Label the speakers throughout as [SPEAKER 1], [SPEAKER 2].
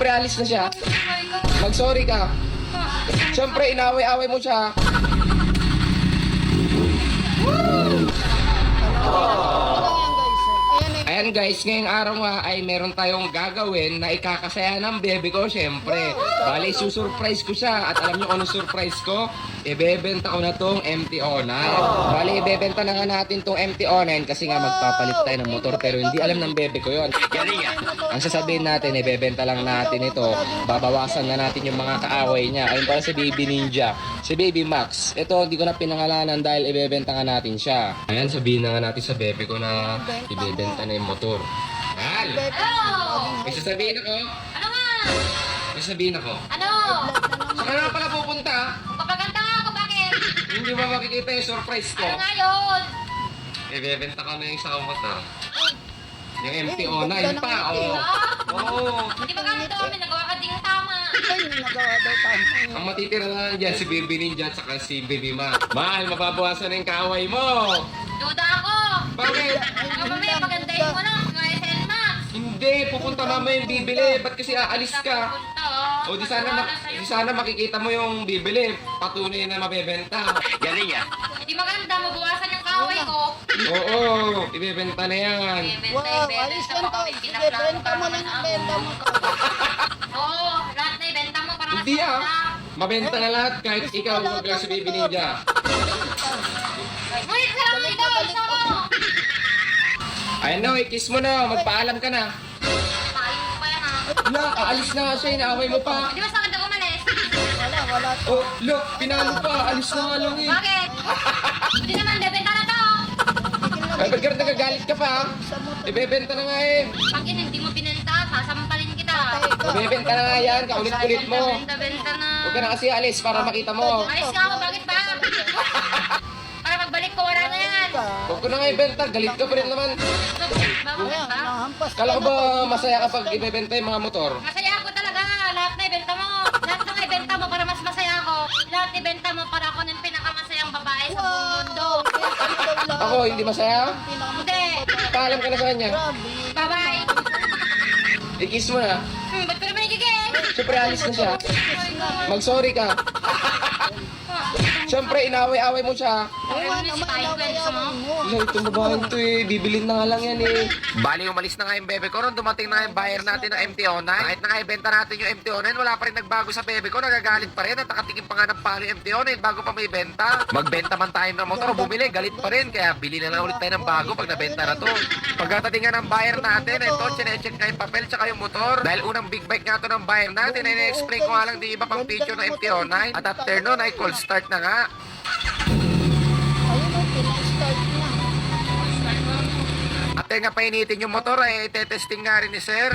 [SPEAKER 1] Siyempre, alis na siya. Mag-sorry ka. Siyempre, inaway-away mo siya. Ayan guys, ngayong araw nga ay meron tayong gagawin na ikakasaya ng bebe ko, syempre. Bali, susurprise ko siya. At alam niyo kung anong surprise ko? Ibebenta ko na tong MT-09. Bali, ibebenta na nga natin tong MT-09 kasi nga magpapalit tayo ng motor. Pero hindi alam ng bebe ko yon. Ang sasabihin natin, ibebenta lang natin ito. Babawasan na natin yung mga kaaway niya. Ayun pala si Baby Ninja. Si Baby Max. Ito, hindi ko na pinangalanan dahil ibebenta nga natin siya. Ayan, sabihin na nga natin sa bebe ko na ibebenta na yung motor. Mahal!
[SPEAKER 2] Ano?
[SPEAKER 1] May sasabihin ako.
[SPEAKER 2] Ano nga?
[SPEAKER 1] May sasabihin ako.
[SPEAKER 2] Ano?
[SPEAKER 1] Saan ka na pala pupunta?
[SPEAKER 2] Papaganda nga ako, bakit?
[SPEAKER 1] Hindi ba makikita yung surprise ko?
[SPEAKER 2] Ano nga yun?
[SPEAKER 1] Ibebenta ko na yung isang motor. Yung MT-09 pa, oh.
[SPEAKER 2] Hindi ba ganito? May nagawa ka ding tama.
[SPEAKER 1] Ang matitira na lang dyan, si Baby Ninja at saka si Baby Ma. Mahal, mababawasan na yung kaaway mo.
[SPEAKER 2] Duda ako.
[SPEAKER 1] Bakit?
[SPEAKER 2] Ano ba may pagandahin mo lang? Mga SN Max.
[SPEAKER 1] Hindi, pupunta mamaya yung bibili. Ba't kasi aalis ka?
[SPEAKER 2] Punta, oh.
[SPEAKER 1] O di sana makikita mo yung bibili. Patunay na mabebenta. Galing ah.
[SPEAKER 2] Hindi maganda, mabawasan yung kaway ko.
[SPEAKER 1] Oo, ibebenta na yan.
[SPEAKER 2] Ibebenta mo kami. Benta mo lang ang benta mo. Oo, lahat na ibenta mo para
[SPEAKER 1] Hindi
[SPEAKER 2] masaya
[SPEAKER 1] ah.
[SPEAKER 2] na.
[SPEAKER 1] Mabenta na lahat kahit ikaw huwag lang si Baby Ninja.
[SPEAKER 2] Wait lang, ikaw, isa ko.
[SPEAKER 1] Ayun na, kiss mo na. Magpaalam ka na.
[SPEAKER 2] Tayo mo pa yan, ha?
[SPEAKER 1] Wala, aalis na nga siya. Inaaway mo pa.
[SPEAKER 2] Hindi ba sa akin umalis?
[SPEAKER 1] Oh, look, pinalo pa. Alis na nga lang eh.
[SPEAKER 2] Bakit? Hindi naman, bebenta na to.
[SPEAKER 1] Ay, ba't ka nagagalit ka pa? Ibebenta na nga eh.
[SPEAKER 2] Pag hindi mo pinenta, sasampalin kita.
[SPEAKER 1] Ibebenta na nga yan. Kaulit-ulit mo.
[SPEAKER 2] Benta na.
[SPEAKER 1] Huwag ka na kasi alis para makita mo.
[SPEAKER 2] Alis nga ako, bakit ba? Para pagbalik ko, wala na yan.
[SPEAKER 1] Huwag ko na nga ibenta. Galit ka pa rin naman.
[SPEAKER 2] Bakit ba?
[SPEAKER 1] Kala ko ba masaya kapag ibebenta yung mga motor?
[SPEAKER 2] Masaya ako talaga. Lahat na ibenta mo. Lahat na ibenta mo para mas masaya ako. Lahat ibenta mo para ako ng pinakamasayang babae sa buong mundo.
[SPEAKER 1] Ako, hindi masaya?
[SPEAKER 2] Hindi.
[SPEAKER 1] Paalam ka na sa kanya.
[SPEAKER 2] Bye-bye.
[SPEAKER 1] I-kiss mo na.
[SPEAKER 2] Ba't ko naman igigil?
[SPEAKER 1] Siyempre, alis na siya. Mag-sorry ka. Siyempre, inaway-away mo siya.
[SPEAKER 2] Ano si Tayo Kwento mo?
[SPEAKER 1] Ay, itong babaeng to eh. Bibilin na nga lang yan eh. Bali, umalis na nga yung bebe ko. Nung dumating na yung buyer natin ng MT-09. Kahit na nga ibenta natin yung MT-09, wala pa rin nagbago sa bebe ko. Nagagalit pa rin. At nakatikim pa nga ng palo yung MT-09 bago pa may benta. Magbenta man tayo ng motor, bumili. Galit pa rin. Kaya bili na lang ulit tayo ng bago pag nabenta na to. Pagkatating nga ng buyer natin, ito, chinecheck nga yung papel tsaka yung motor. Dahil unang big bike nga to ng buyer natin, ay na-explain ko nga lang di iba pang feature ng MT-09. At after nun, ay cold start na nga. At nga painitin yung motor ay tetesting nga rin ni sir.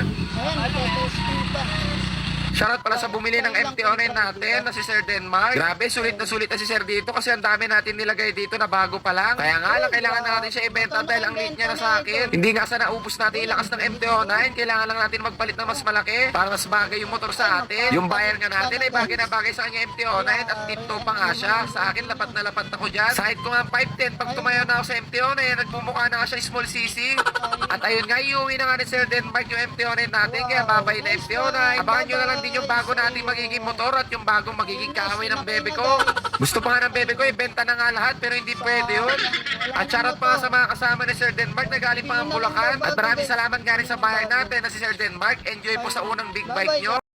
[SPEAKER 1] Shoutout pala sa bumili ng MT-09 natin na si Sir Denmark. Grabe, sulit na si Sir dito kasi ang dami natin nilagay dito na bago pa lang. Kaya nga lang, kailangan na natin siya ibenta dahil ang late niya na sa akin. Hindi nga sa naubos natin ilakas ng MT-09, kailangan lang natin magpalit ng mas malaki para mas bagay yung motor sa atin. Yung buyer nga natin ay bagay na bagay sa kanya MT-09 at tipto pa nga siya. Sa akin, lapat na lapat ako dyan. Side ko nga 510, pag tumayo na ako sa MT-09, nagmumukha na nga siya small CC. At ayun nga, iuwi na nga ni Sir Denmark yung MT-09 natin, kaya babay na MT-09. Abangan nyo na lang din yung bago nating magiging motor at yung bagong magiging kaaway ng bebe ko. Gusto pa nga ng bebe ko, ibenta na nga lahat pero hindi pwede yun. At shoutout pa nga sa mga kasama ni Sir Denmark na galing pa ang Bulacan. At maraming salamat nga rin sa bahay natin na si Sir Denmark. Enjoy po sa unang big bike nyo.